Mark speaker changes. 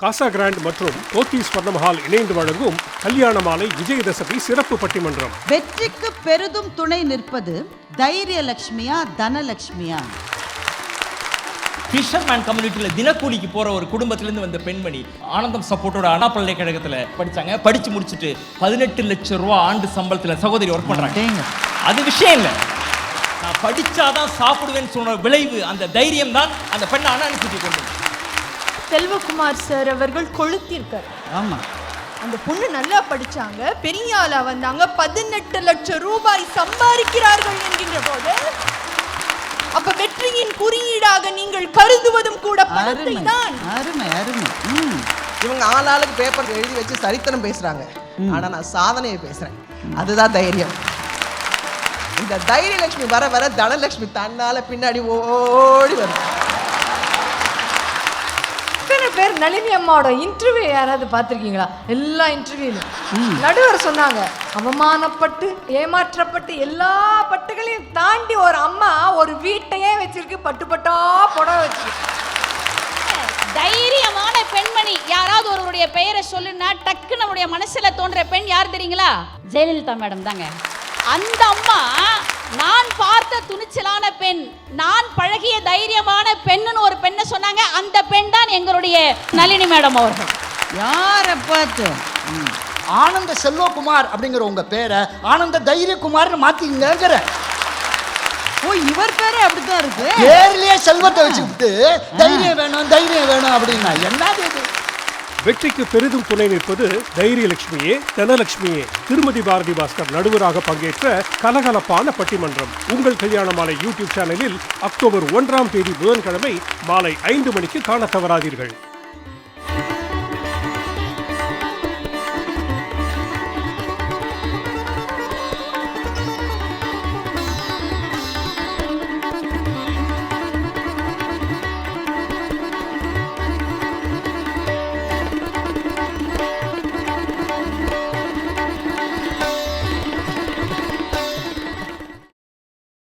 Speaker 1: காசா grand மற்றும் போத்தீஸ் ஸ்வர்ணமஹால் இணைந்து வழங்கும் கல்யாண மாலை விஜயதசமி சிறப்பு பட்டிமன்றம்.
Speaker 2: வெற்றிக்கு பெரிதும் துணை நிற்பது தைரியலட்சுமியா தனலட்சுமியா?
Speaker 3: ஃபிஷர்மேன் கம்யூனிட்டியில் தினக்கூலிக்கு போற ஒரு குடும்பத்திலிருந்து வந்த பெண்மணி ஆனந்தம் சப்போர்ட்டோட அண்ணா பல்கலைக்கழகத்தில் படிச்சாங்க. படிச்சு முடிச்சுட்டு 18 லட்சம் ரூபாய் ஆண்டு சம்பளத்தில் சகோதரி ஒர்க் பண்றாங்க. அது விஷயம் இல்லை, நான் படிச்சாதான் சாப்பிடுவேன்னு சொன்ன விளைவு அந்த தைரியம் தான் அந்த பெண்ணை அனுப்பிச்சு கொண்டு.
Speaker 4: செல்வகுமார் சார் அவர்கள் கொளுத்திருக்கார்.
Speaker 2: ஆமா,
Speaker 4: அந்த பொண்ணு நல்லா படிச்சாங்க, பெரிய ஆளா வந்தாங்க, 18 லட்சம் ரூபாய் சம்பாதிக்கிறார்கள் என்கின்ற போது அப்ப வெற்றியின் குறியீடாக நீங்கள் கருதுவதும் கூட பணத்தை தான்.
Speaker 2: அருமை அருமை.
Speaker 5: இவங்க ஆளாளுக்கு பேப்பர் எழுதி வச்சு சரித்திரம் பேசுறாங்க, ஆனா நான் சாதனையை பேசுறேன். அதுதான் தைரியம். இந்த தைரியலட்சுமி வர வர தனலட்சுமி தன்னால பின்னாடி ஓடி வரும்.
Speaker 4: பேர் நளினி அம்மாவோட இன்டர்வியூ யாராவது பார்த்துருக்கீங்களா? எல்லா இன்டர்வியூலும் நடுவர் சொன்னாங்க, அவமானப்பட்டு ஏமாற்றப்பட்டு எல்லா பட்டுகளையும் தாண்டி ஒரு அம்மா ஒரு வீட்டையே வச்சிருக்கு, பட்டு பட்டா புடவை வச்சிருக்கு.
Speaker 6: தைரியமான பெண்மணி யாராவது ஒருவருடைய பெயரை சொல்லுன்னா டக்கு நம்முடைய மனசுல தோன்ற பெண் யார் தெரியுங்களா? ஜெயலலிதா மேடம் தாங்க. அந்த அம்மா நான் பார்த்த துணிச்சலான பெண், நான் பழகிய தைரியமான பெண்ணுன்னு ஒரு பெண்ணை சொன்னாங்க. அந்த பெண் தான் எங்களுடைய நளினி மேடம் அவர்கள்.
Speaker 2: யாரை பார்த்து?
Speaker 7: ஆனந்த செல்வகுமார் அப்படிங்கிற உங்க பேரை ஆனந்த தைரியகுமார்னு மாத்திங்கிற.
Speaker 2: ஓ, இவர் பேரே அப்படித்தான் இருக்கு.
Speaker 7: பேர்லயே செல்வத்தை வச்சுக்கிட்டு தைரியம் வேணும் அப்படின்னா என்னது இது?
Speaker 1: வெற்றிக்கு பெரிதும் துணை நிற்பது தைரியலட்சுமியே தனலட்சுமியே. திருமதி பாரதி பாஸ்கர் நடுவராக பங்கேற்ற கலகலப்பான பட்டிமன்றம் உங்கள் கல்யாண மாலை யூடியூப் சேனலில் அக்டோபர் 1 புதன்கிழமை மாலை 5 மணிக்கு காண தவறாதீர்கள்.